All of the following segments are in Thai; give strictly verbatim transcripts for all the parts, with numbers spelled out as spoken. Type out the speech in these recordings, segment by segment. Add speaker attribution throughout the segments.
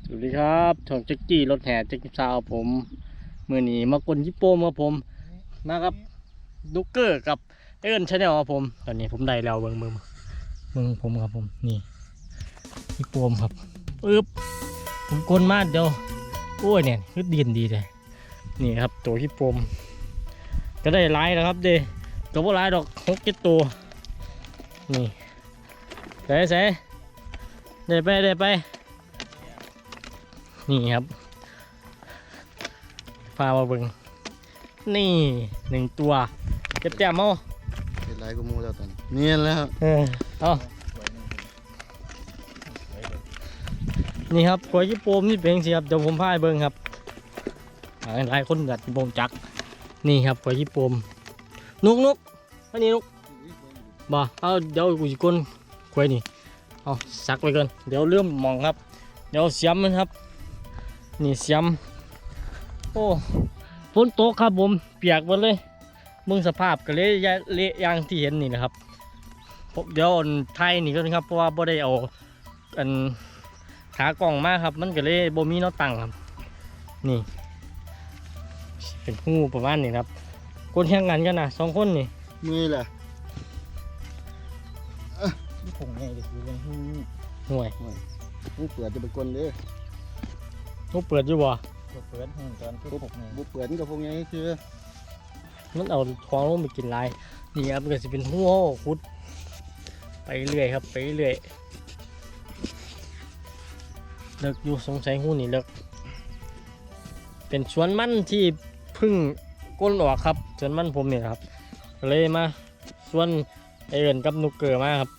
Speaker 1: สวัสดีครับช่องแจ็คกี้รถแห่แจ็คกี้ซาวผมมือหนีมากลยิปโป้มาผมมาครับดุกเกอร์กับเอิร์นชาแนลครับผมตอนนี้ผมได้แล้วเบิ้งมือมือผมครับผมนี่ยิปโป้ครับปึ๊บผมกลมาเดียวโอ้ยเนี่ยคือดีนดีเลยนี่ครับตัวยิปโป้ก็ได้ไล่แล้วครับเด้ก็บ่ไล่ดอกหกเจ็ดตัวนี่ใส่ใส่ได้ไปได้ไปนี่ครับพามาเบิ่งนี่หนึ่งตัวเจ็บแจ่มเอา
Speaker 2: เป็นไรกูมูแล้วตอนเนียนแล้ว
Speaker 1: เออเอานี่ครับกล้วยญี่ปุ่นนี่เป็นสิครับเดี๋ยวผมพาไปเบิ่งครับหลายคนกัดบ่งจักนี่ครับกล้วยญี่ปุ่นนุกนุกอันนี้นุกบ่เอาเดี๋ยวกูจะก้นกล้วยนี่เอาซักไว้ก่อนเดี๋ยวเริ่มมองครับเดี๋ยวเสียมมันครับนี่เสียมโอ้ฝนตกครับผมเปียกหมดเลยมึงสภาพก็เลยเละอย่างที่เห็นนี่นะครับเดี๋ยวไทยนี่ก็ครับเพราะว่าบ่ได้เอาอันขากล่องมากครับมันก็เลยบ่มีน็อตตั้งครับนี่เป็นหูประมาณนี้ครับคนแข่งกันกันนะสองคนนี่
Speaker 2: มือแหละ
Speaker 1: นี่ผงไงเด็กดูเลยห่วย
Speaker 2: หูเปิดจะเป็นคนเด้อ
Speaker 1: หูเปิดอยู่บ่
Speaker 3: เปิดหูตอนที่หกไง
Speaker 2: บุเปิดกับพวกนี้คือ
Speaker 1: มันเอาท้องลงไปกินลายนี่ครับมันก็จะเป็นหัวคุดไปเรื่อยครับไปเรื่อยเลิกอยู่สงสัยหูนี่เลิกเป็นสวนมันที่พึ่งก้นออกครับสวนมันผมเนี่ยครับเลยมาสวนไอเอิญกับนุกเกอร์มาครับ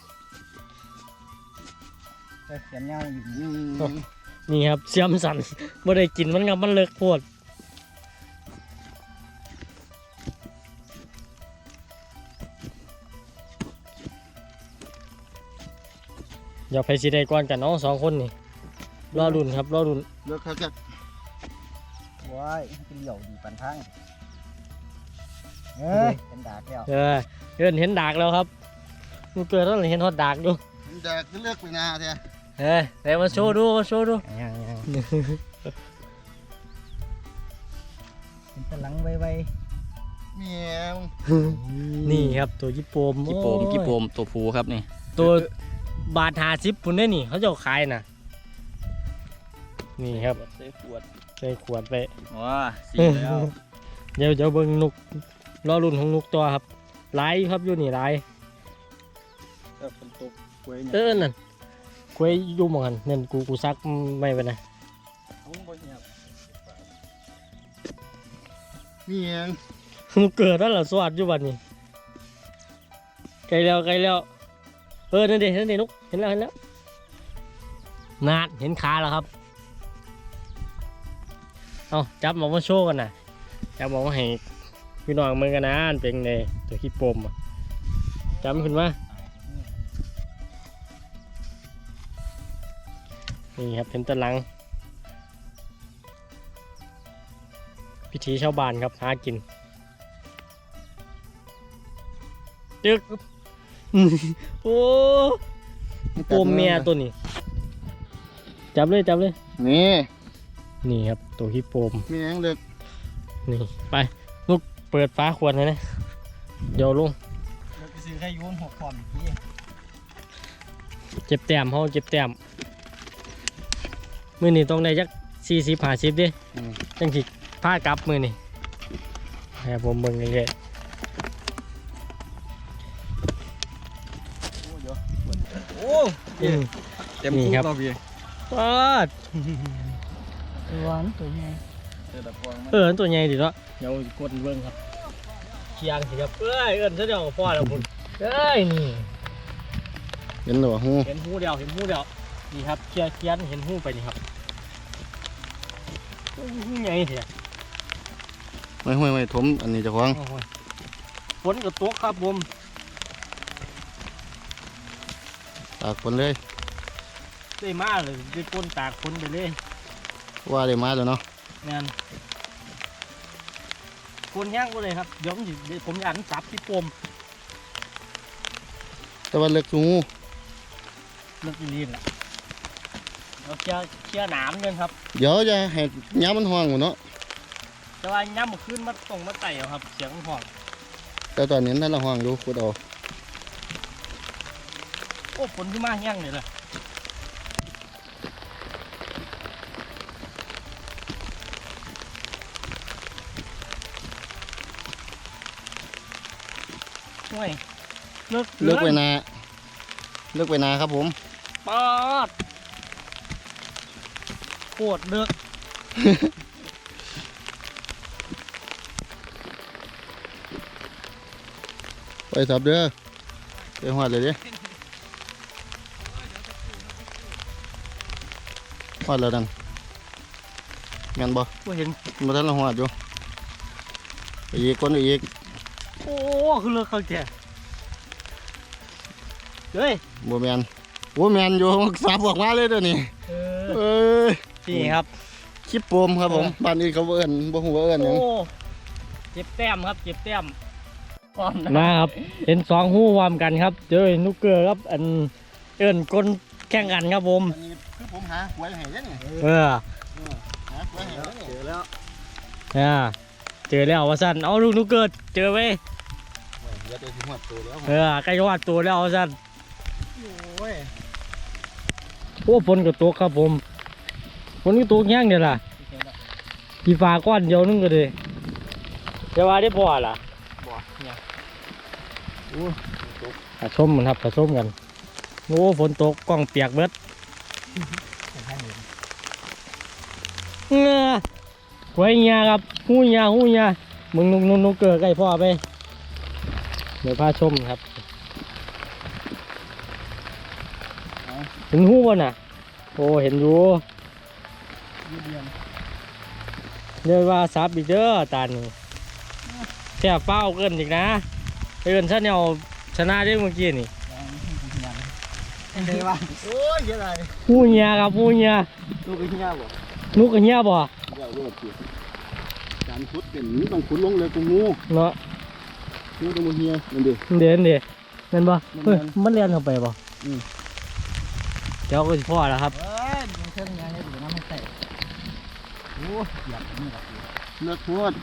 Speaker 3: เขียนเงาอยู่
Speaker 1: นี่ครับเสียมสั่นไม่ได้กินมันครับมันเลิกโพดอย่าไปสิได้ก่อนกันน้องสองคนนี่รอรุ่นครับรอรุ่น
Speaker 2: เลิกเขาจะ
Speaker 3: ว้ายเป็นเหลี่ยวดีปันทั้งเอ้ยเห็นดากแล้ว
Speaker 1: เออเห็นเห็นดากแล้วครับนุกเกอร์ต้องเห็นฮอดดากดู
Speaker 2: เห็นดากก็เลิกไปนาเถอะ
Speaker 1: เฮ้ยไหนมาโชว์ดูมาโชว์ดู
Speaker 3: ยังยังเป็นตะลังไว
Speaker 2: ๆเมียว
Speaker 1: นี่ครับตัวญี่ปุ่น
Speaker 4: ญี่ปุ่นญี่ปุ่นตัวผูครับนี่
Speaker 1: ตัวบาทหาซิปปุ่นได้นี่เขาจะขายน่ะนี่ครับ
Speaker 4: ใส่ขวด
Speaker 1: ใส่ขวดไป
Speaker 4: ว้าสีแล้ว
Speaker 1: เดี๋ยวเดี๋ยวเบิ้งนุกรอรุ่นของนุกตัวครับไล่ครับอยู่นี่ไล่
Speaker 2: เออฝนตกกล้วย
Speaker 1: เออนั่นกล้วยยุ่มกันนั่นกูกูซักไม่ไปนะ
Speaker 2: เมียง
Speaker 1: นุกเกิดแล้วเหรอสวัสดอยู่วันนี้ไกลแล้วไกลแล้วเออนั่นเด็นั่นเด็นุกเห็นแล้วเห็นแล้วนาดเห็นขาแล้วครับเอาจับมาว่าโชว์กันนะจับมาว่าให้พี่น้องมึงกันนะเป็นไงตัวขี้ปมจำขึ้นมานี่ครับเป็นตะลังพิธีชาวบ้านครับหากินจึกโอ้ปมเมียตัวนี้จับเลยจับเลย
Speaker 2: นี่
Speaker 1: นี่ครับตัวฮิปโปม
Speaker 2: มีอย่างเด็ก
Speaker 1: นี่ไปลูกเปิดฟ้าขวดเลยนะเดี๋ยวลุง
Speaker 3: เราไปซื้อแค่ยูนหกความอีกที
Speaker 1: เจ็บแต้มเขาเจ็บแต้มมือนี่ต้องได้จักสี่สิบห้าสิบดิจังสิผ้ากลับมือนี่ให้ผมเบิ่งเรื่อย
Speaker 4: โอ้เต็มคุกเราพี่
Speaker 1: ปาด
Speaker 3: ตัวนั้นตัวใหญ่
Speaker 1: เออตัวใหญ่ดิเนาะเดี๋ยวกดเบิ่งครับเคียงสิครับเอ้ยเอิ้นซะเดี๋ยวพ่อแล้วคุณเอ้ยนี่
Speaker 2: เห็นหรอฮู
Speaker 1: เห็นหูเดียวเห็นหูเดียวนี่ครับเคียเคียนเห็นหูไปนี่ครับใหญ่เถอะ
Speaker 2: ไม่ไม่ไม่ถมอันนี้จะควง
Speaker 1: ฝนกับตกครับผม
Speaker 2: ตากฝนเลย
Speaker 1: ได้มาเลยได้ก้นตากฝนไปเลย
Speaker 2: ว่าได้มาแล้วเนาะ
Speaker 1: งานคนย่างก็เลยครับเดี๋ยวผมอยากจับที่ปม
Speaker 2: แต่ว่าเล็กจู
Speaker 1: เลิกลีนแหละเราเคลียร์เคลียร์หนามกันครับ
Speaker 2: เดี๋ยวจะให้ย้ำมันห้องหมดเนาะ
Speaker 1: แต่ว่าย้ำขึ้นมาตรงมาไต่เอาครับเสียงห้อง
Speaker 2: แต่ตอนนี้ท่านละห้องอยู่ขุดเอา
Speaker 1: โอ้ฝนขึ้นมาแห้งเลยเลยโอ้ยเลิก
Speaker 2: เลือกไปนาเลือกไปนาครับผม
Speaker 1: ปอดปวดเลิก
Speaker 2: ไปสับเด้อไปหอดเลยดิหอดแล้วดันแม่นบ่
Speaker 1: ก็เห็น
Speaker 2: มาท่านละหอดอยู่ไปอีกคนไปอีก
Speaker 1: โอ้คือเลิกเขาแก่เฮ้ย
Speaker 2: บัวแมนโอ้แมนอยู่สับออกมาเลยเด้อนี่
Speaker 1: เออ
Speaker 2: เอ้ย
Speaker 1: นี่ครับ
Speaker 2: คลิปโปมครับผมบ้านอื่นเขาบ่เอิ้นบ่ฮู้ว่าเอิ้นหยัง
Speaker 1: โอ้เจ็บแต้มครับเจ็บแต้มมาครับเห็นสองหู้วามกันครับเจอนุกเกอร์ครับอันเอิ้นก้นแข่งกันครับผม
Speaker 2: อันนี้คือผมหาหวยให้เด้อนี่
Speaker 1: เออ
Speaker 2: หาหวยให้เด้อนี่
Speaker 3: เจอแล้ว
Speaker 1: อ่าเจอแล้วว่าสั้นเอาลูกนุกเกอร์เจอไว้
Speaker 2: เดี๋ยวจะสิหอดตัวแล้ว
Speaker 1: เออใกล้จะวาดตัวแล้วว่าสั้น
Speaker 3: โอ้ย
Speaker 1: โอ้ฝนก็ตกครับผมฝนก็ตกแห้งเดี๋ยวล่ะกี่ฟ้าก้อนเดียวนึงก็เลยจะว่าได้พอล่ะ
Speaker 3: บ่เนี่ย
Speaker 1: ผสมมันครับผสมกันโอ้ฝนตกกล้องเปียกเบิด
Speaker 3: ให้เห็น
Speaker 1: เงือไว้เงียครับหูเงียหูเงียมึงนุกนุกนุกเกิดใกล้พ่อไปเดี๋ยวพาชมครับเห็นหูบ่น่ะโอ้เห็นอยู่
Speaker 3: ยืดเดียน
Speaker 1: เรียกว่าซับอีกเด้อตานี่แค่เฝ้าเกินอีกนะเอินซะเนี่ยชนะได้เมื่อกี้นี่
Speaker 3: ยังไงวะโอ้ยยังไง
Speaker 1: หูเงียครับหูเงีย
Speaker 3: ลูกไอ้เหี้ยบ่
Speaker 1: นุกกับเงียบ่
Speaker 2: เดี๋ยวรถสิการขุดเป็นต้องขุดลงเลยตรงงู
Speaker 1: เนาะ
Speaker 2: งูตรงมือเฮียนั่นดิ
Speaker 1: เดี๋ยวเดี๋ยวนั่นบ่เฮ้ยมันเลียนเข้าไปบ่
Speaker 2: อืม
Speaker 1: เดี๋ยวก็สิพ่อแล้วครับ
Speaker 3: เอ้ยมันเครื่องยังไงดูน้ำมันแตกโอ้ยเหยียบนี่ละ
Speaker 2: เลือกพูด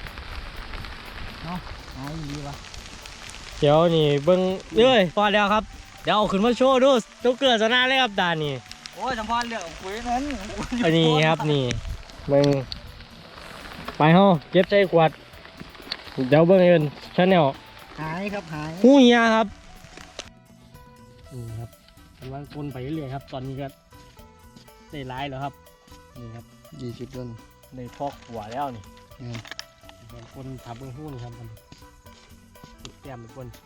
Speaker 3: เอาดีวะ
Speaker 1: เดี๋ยวนี่เบิ้งเอ้ยพอแล้วครับเดี๋ยวเอาขึ้นมาโชว์ดูนุกเกิดชนะเลยครับตานี่
Speaker 3: โอ้ยสัมพันธ์เรื่องคุยนั้น
Speaker 1: อันนี้ครับนี่เบิ้งไปเฮาเก็บใส่ขวดเดี๋ยวเบิ้งเอินชาแนล
Speaker 3: หายครับหาย
Speaker 1: หูเหียครับนี่ครับกำลังคนไปเรื่อยๆครับ ตอนนี้ก็ได้ร้ายแล้วครับนี่ครับ
Speaker 2: ยี่สิบต้น
Speaker 1: ได้พอกหัวแล้วนี่
Speaker 2: อืม
Speaker 1: บางคนทับเบิ้งหูนี่ครับมันแก้มเป็นคน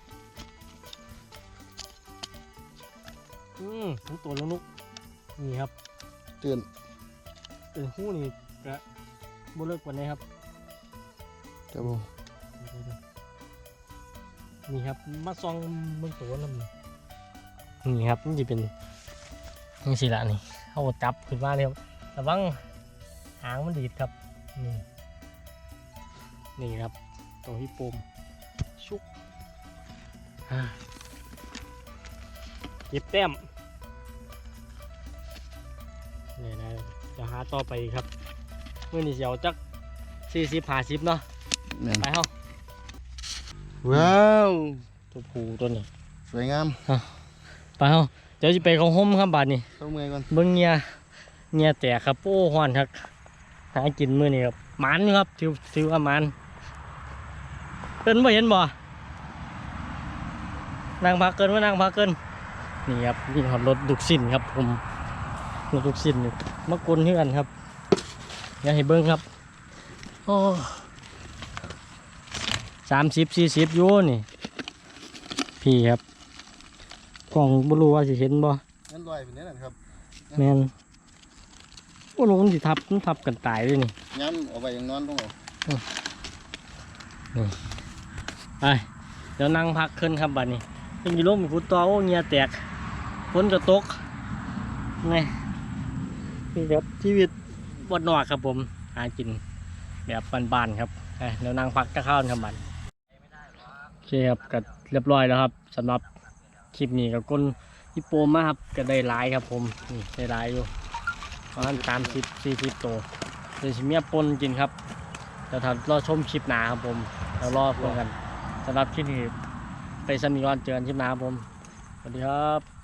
Speaker 1: อืมทั้งตัวลูกนุกนี่ครับ
Speaker 2: ตื่น
Speaker 1: เป็นหูนี่ก็บ่เลิกกว่านี้ครับ
Speaker 2: ครับผม
Speaker 1: นี่ครับมาซองเบิ่งตัวน้ำนี่ครับนี่จะเป็นนี่สิละนี่เอาจับขึ้นมาเลยครับระวังหางมันดีดครับนี่นี่ครับตัวที่ปมชุกอ่าเก็บแต้มนี่นะจะหาต่อไปครับเมื่อนี้เสียวจักสี่สิบห้าสิบเนาะ
Speaker 2: แม่น
Speaker 1: ไปเฮา
Speaker 2: ว้าว
Speaker 1: ตัวผูตัวนี้
Speaker 2: สวยงาม
Speaker 1: ไปเฮาเดี๋ยวจะไปเขาห่มครับบาดนี้
Speaker 2: เข้าเมื่อยก่อน
Speaker 1: เบิ้งเงียเงียแตกครับโอ้หวานครับหากินมื้อนี้ครับหมันอยู่ครับถือถือว่าหมันเกินบ่เห็นบ่นั่งพักเกินว่านั่งพักเกินนี่ครับนี่ครับรถดุกสินครับผมรถดุกสินนี่มากลนเฮือนครับอยากให้เบิ้งครับโอ้สามสิบสี่สิบอยู่นี่พี่ครับกล้องบ่รู้ว่าสิเห็นบ่
Speaker 2: งั้นลอยเป็นนี้นะครับ
Speaker 1: แมนโอ้ลงมันสิทับมันทับกันตายเลยนี่
Speaker 2: ย้ำเอาไว้อย่างนอนต้องเอา
Speaker 1: ไปเดี๋ยวนั่งพักขึ้นครับบัดนี้ยังมีลมมีฟุตตัวโอ้เงียแตกฝนจะตกไงนี่ครับชีวิตบดนอกครับผมหากินแบบบ้านๆครับไปเดี๋ยวนั่งพักจะเข้าครับบัดโอเคครับก็เรียบร้อยแล้วครับสำหรับคลิปนี้กับก้นฮิปโปมาครับก็ได้หลายครับผมนี่ได้หลายอยู่ประมาณสามสิบสี่สิบตัวเดี๋ยวสิเมียปนกินครับเดี๋ยวถ้ารอชมคลิปหนาครับผมเดี๋ยวรอฟังกันสำหรับคลิปนี้ไปสนิทก่อนเจอกันคลิปหนาครับผมสวัสดีครับ